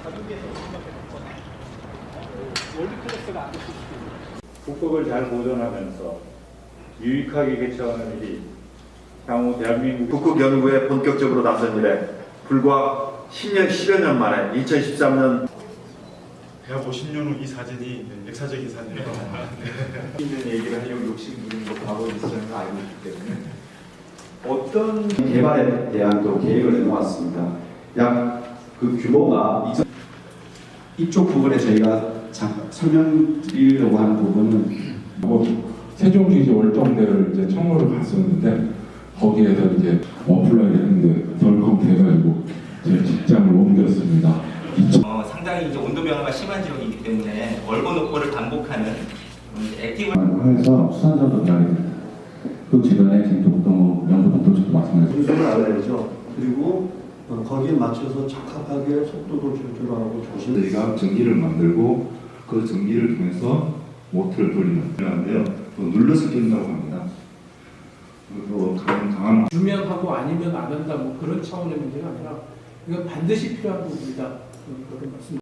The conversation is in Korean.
가격에서 수밖에 없잖아요. 월드 클래스가 안 됐을 수도 있고. 국법을 잘 보존하면서 유익하게 개최하는 일이 향후 대한민국 북극 연구에 본격적으로 나선 이래 불과 10여 년 만에 2013년 150년 후 이 사진이 역사적인 사진이라고 있는 얘기를 하려고 욕심 부리는 거 과거 있었는 거 알고 있기 때문에 어떤 개발에 대한 또 계획을 내놓았습니다. 약 그 규모가 이쪽 부분에 저희가 설명드리려고 하는 부분은 세종시지 월정대를 이제 청구를 갔었는데 거기에서 이제 어플라이 했는데 덜컥 돼가지고 제 직장을 옮겼습니다. 상당히 이제 온도 변화가 심한 지역이기 때문에 월고 녹고를 반복하는 액티브 해서 수산자도 기다립니다. 그 주변에 김동동 연구동도도 마찬가지입니다. 분석을 알아야죠. 그리고 거기에 맞춰서 적합하게 속도도 조절하고 조심. 저희가 전기를 만들고 그 전기를 통해서 모터를 돌리는 필요한데요. 또 눌러서 낀다고 합니다. 그리고 강한 유명하고 아니면 안 한다 뭐 그런 차원의 문제가 아니라 이건 반드시 필요한 부분이다. 그런 말씀.